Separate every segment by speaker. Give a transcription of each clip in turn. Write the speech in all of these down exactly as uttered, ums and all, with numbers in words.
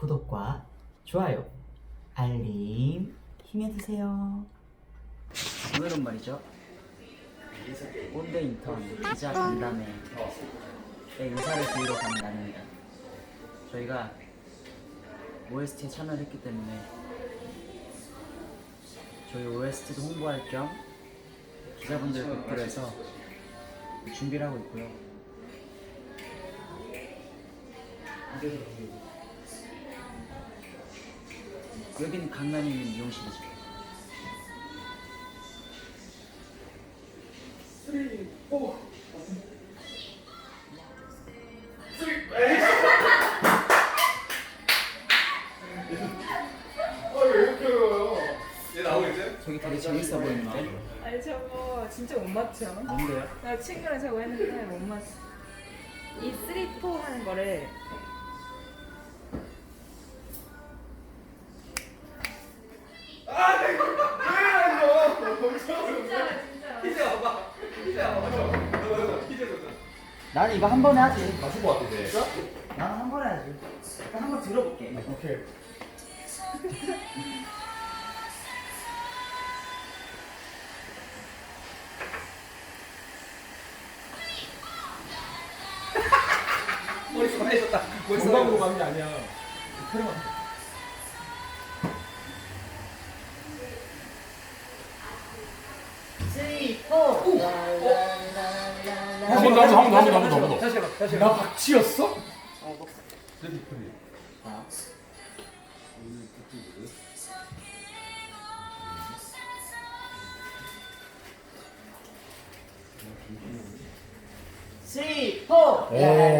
Speaker 1: 구독과 좋아요, 알림 힘내주세요. 오늘은 말이죠, 꼰대 인턴 기자 간담회 의사를 드리러 가는 날입니다. 저희가 오에스티에 참여를 했기 때문에 저희 오에스티도 홍보할 겸 기자분들 뵙기로 해서 준비를 하고 있고요. 여기는 강남에 있는 미용실이죠. 저기 되게 재밌어 보이는데?
Speaker 2: 아니 저거 진짜 못 맞춰.
Speaker 1: 뭔데요?
Speaker 2: 나 친구랑 저거 했는데 못 맞춰. 이 쓰리 포 하는 거를
Speaker 1: 나는 이거 한 번에 하지.
Speaker 3: 맞을 것 같은데.
Speaker 1: 있어? 나는 한 번에 하지. 일단 한번 들어볼게.
Speaker 3: 오케이.
Speaker 4: 머릿속 해줬다.
Speaker 3: 건강으로 가는 게 아니야. 촬영만.
Speaker 1: 쓰리, 포.
Speaker 3: 한 번 더, 한 번 더, 한 번 더, 한 번 더, 한 번 더.
Speaker 4: 다시 해봐. 다시
Speaker 3: 나
Speaker 4: 해봐.
Speaker 3: 박치였어?
Speaker 1: 어, 뭐. 자, 쓰리, 포.
Speaker 3: 오.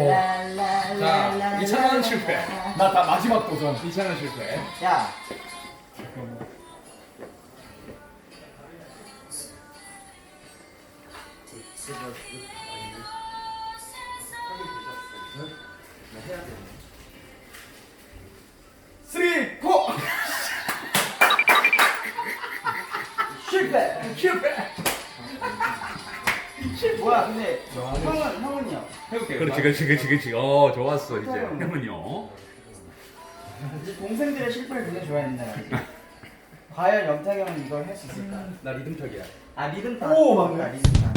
Speaker 4: 자, 이찬 원은 실패.
Speaker 3: 나 다 마지막 도전.
Speaker 4: 이찬원 실패.
Speaker 1: 야,
Speaker 3: 쓰리, 포.
Speaker 1: 실패.
Speaker 3: 실패.
Speaker 1: 뭐야, 근데 형은 형은요?
Speaker 4: 해볼게요.
Speaker 3: 그렇지, 그렇지, 그렇지, 그렇지. 어, 좋았어 이제. 형은요.
Speaker 1: 이제 동생들의 실패를 굉장히 좋아했는데 말이지. 과연 영탁이 형은 이걸 할 수 있을까?
Speaker 4: 나 리듬턱이야.
Speaker 1: 아 리듬 타.
Speaker 3: 오, 맞네.
Speaker 1: 아, 리듬 타.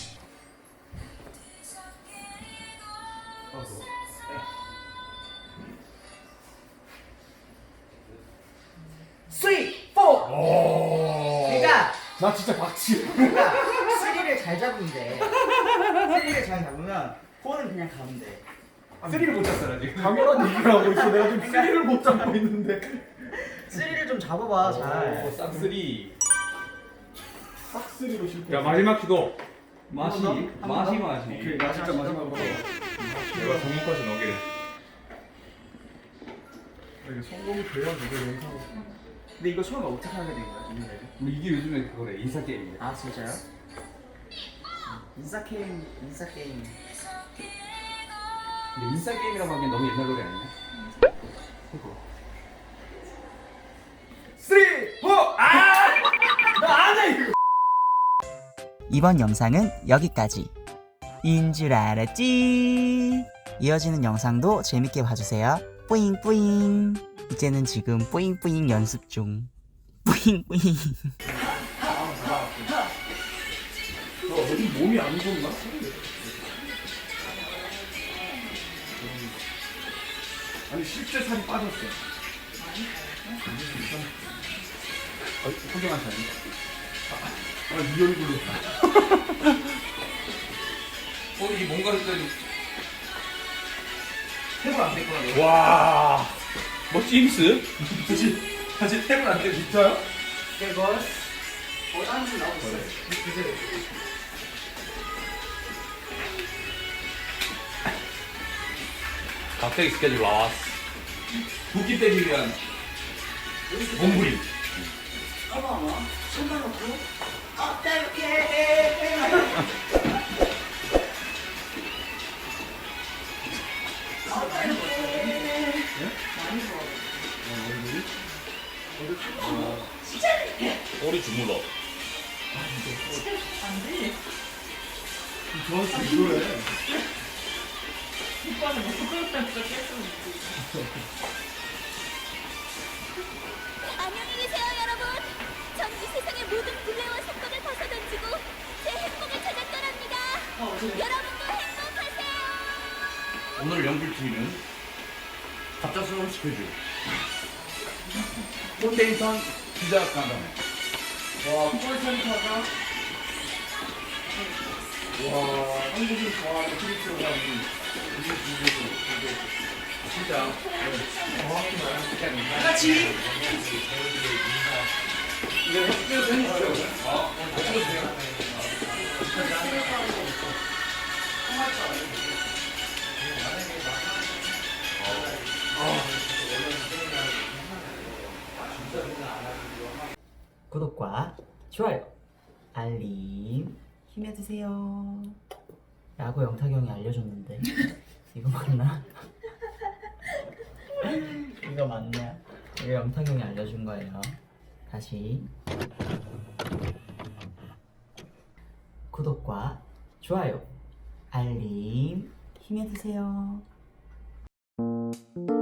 Speaker 1: 쓰리, 포.
Speaker 3: 오.
Speaker 1: 그러니까
Speaker 3: 나 진짜 박치.
Speaker 1: 그러니까 쓰리를 잘 잡으면 돼. 쓰리를 잘 잡으면 포는 그냥 가면 돼.
Speaker 4: 쓰리를 못 쳤어 나 지금.
Speaker 3: 당연한 얘기를 하고 있어. 내가 지금 쓰리를 못 잡고 있는데.
Speaker 1: 쓰리를 좀 잡아봐
Speaker 4: 오,
Speaker 1: 잘.
Speaker 4: 싹쓰리.
Speaker 3: 딱 쓰리로 실패.
Speaker 4: 자 마지막 시도. 마시,
Speaker 1: 한 번 더?
Speaker 4: 마시,
Speaker 1: 한 번 더?
Speaker 4: 마시.
Speaker 3: 오케이, 나 진짜 마지막으로.
Speaker 4: 내가 성공까지 넣기를.
Speaker 3: 이게 성공이 돼야 누가 영상.
Speaker 1: 근데 이거 처음에 어떻게 하게 된 거야? 이 노래를?
Speaker 4: 뭐 이게 요즘에 그거래 인사 게임이야.
Speaker 1: 아 진짜요? 인싸 게임, 인싸 게임.
Speaker 4: 근데 인사 게임이라고 하기엔 너무 옛날 노래 아니냐? 그거.
Speaker 3: 쓰리, 포. 아! 나안 해, 이거.
Speaker 1: 이번 영상은 여기까지 인 줄 알았지? 이어지는 영상도 재밌게 봐주세요. 뿌잉뿌잉. 이제는 지금 뿌잉뿌잉 연습 중. 뿌잉뿌잉.
Speaker 3: 너 어디 몸이 안 좋나? 아니 실제 살이 빠졌어.
Speaker 4: 어, 훌륭한 사람.
Speaker 3: 아네 얼굴로.
Speaker 4: 어 이게 뭔가 했더니 탭을 안될 거라고.
Speaker 3: 와.
Speaker 4: 뭐 심스? 다시 다시 탭을 안 돼.
Speaker 3: 진짜요?
Speaker 1: 이거 어디 한번 나오고 있어요.
Speaker 4: 갑자기 스케줄 나왔어. 붓기 때리기 위한 몸부림.
Speaker 1: 어머 어머. 손만 놓고 어떡해.
Speaker 4: 꼬리 주물러.
Speaker 3: 저한테 이거래.
Speaker 2: 오빠는 뭐 그걸 진짜 깼으면
Speaker 4: 오늘 연필티는 갑작스러운 스케줄. 콘데이션 기자 간담회.
Speaker 3: 와, 콜센터가 와, 한국인 좋아하는 크리스가 이게 이게 이게 진짜 정확히 말하면 같이 이거 햇볕 해주세요. 어, 해주세요.
Speaker 1: 구독과 좋아요, 알림 힘내주세요. 라고 영탁이 형이 알려줬는데 이거 맞나? 이거 맞냐? 이거 영탁이 형이 알려준 거예요. 다시 구독과 좋아요, 알림 힘내주세요.